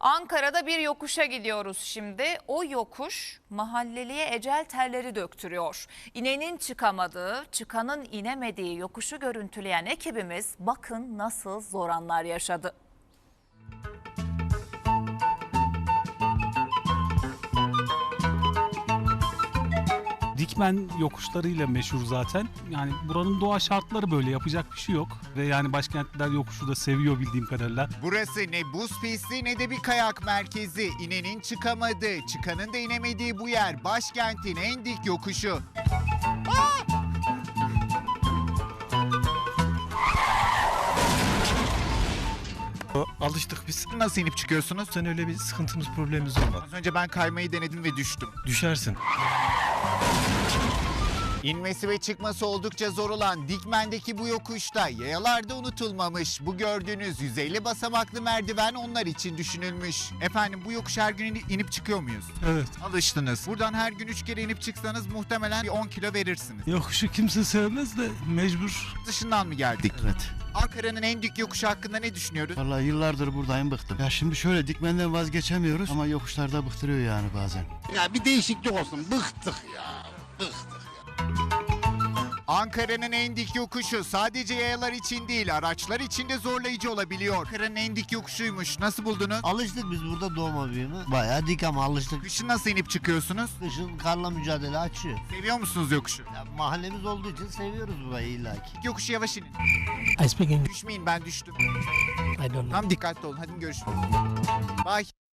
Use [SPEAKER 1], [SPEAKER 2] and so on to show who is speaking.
[SPEAKER 1] Ankara'da bir yokuşa gidiyoruz şimdi. O yokuş mahalleliye ecel terleri döktürüyor. İnenin çıkamadığı, çıkanın inemediği yokuşu görüntüleyen ekibimiz bakın nasıl zor anlar yaşadı.
[SPEAKER 2] Dikmen yokuşlarıyla meşhur zaten. Yani buranın doğa şartları böyle, yapacak bir şey yok. Ve yani başkentler yokuşu da seviyor bildiğim kadarıyla.
[SPEAKER 3] Burası ne buz pisti ne de bir kayak merkezi. İnenin çıkamadığı, çıkanın da inemediği bu yer başkentin en dik yokuşu.
[SPEAKER 4] Alıştık biz.
[SPEAKER 3] Nasıl inip çıkıyorsunuz?
[SPEAKER 4] Sen öyle bir sıkıntımız, problemimiz olmadı.
[SPEAKER 3] Az önce ben kaymayı denedim ve düştüm.
[SPEAKER 4] Düşersin.
[SPEAKER 3] İnmesi ve çıkması oldukça zor olan Dikmen'deki bu yokuşta yayalar da unutulmamış. Bu gördüğünüz 150 basamaklı merdiven onlar için düşünülmüş. Efendim bu yokuş her gün inip çıkıyor muyuz?
[SPEAKER 4] Evet.
[SPEAKER 3] Alıştınız. Buradan her gün 3 kere inip çıksanız muhtemelen bir 10 kilo verirsiniz.
[SPEAKER 4] Yokuşu kimse sevmez de mecbur.
[SPEAKER 3] Dışından mı geldik?
[SPEAKER 5] Evet.
[SPEAKER 3] Ankara'nın en dik yokuşu hakkında ne düşünüyoruz?
[SPEAKER 5] Vallahi yıllardır buradayım, bıktım. Ya şimdi şöyle Dikmen'den vazgeçemiyoruz ama yokuşlarda bıktırıyor yani bazen.
[SPEAKER 6] Ya bir değişiklik olsun. Bıktık ya. Bıktık.
[SPEAKER 3] Ankara'nın en dik yokuşu sadece yayalar için değil, araçlar için de zorlayıcı olabiliyor. Ankara'nın en dik yokuşuymuş. Nasıl buldunuz?
[SPEAKER 5] Alıştık biz burada doğma büyüme. Bayağı dik ama alıştık.
[SPEAKER 3] Kışın nasıl inip çıkıyorsunuz?
[SPEAKER 5] Kışın karla mücadele açıyor.
[SPEAKER 3] Seviyor musunuz yokuşu?
[SPEAKER 5] Ya mahallemiz olduğu için seviyoruz burayı illaki.
[SPEAKER 3] Yokuşu yavaş inin.
[SPEAKER 7] I speak English.
[SPEAKER 3] Düşmeyin, ben düştüm.
[SPEAKER 7] I don't know.
[SPEAKER 3] Tam dikkatli olun. Hadi görüşürüz. Bye.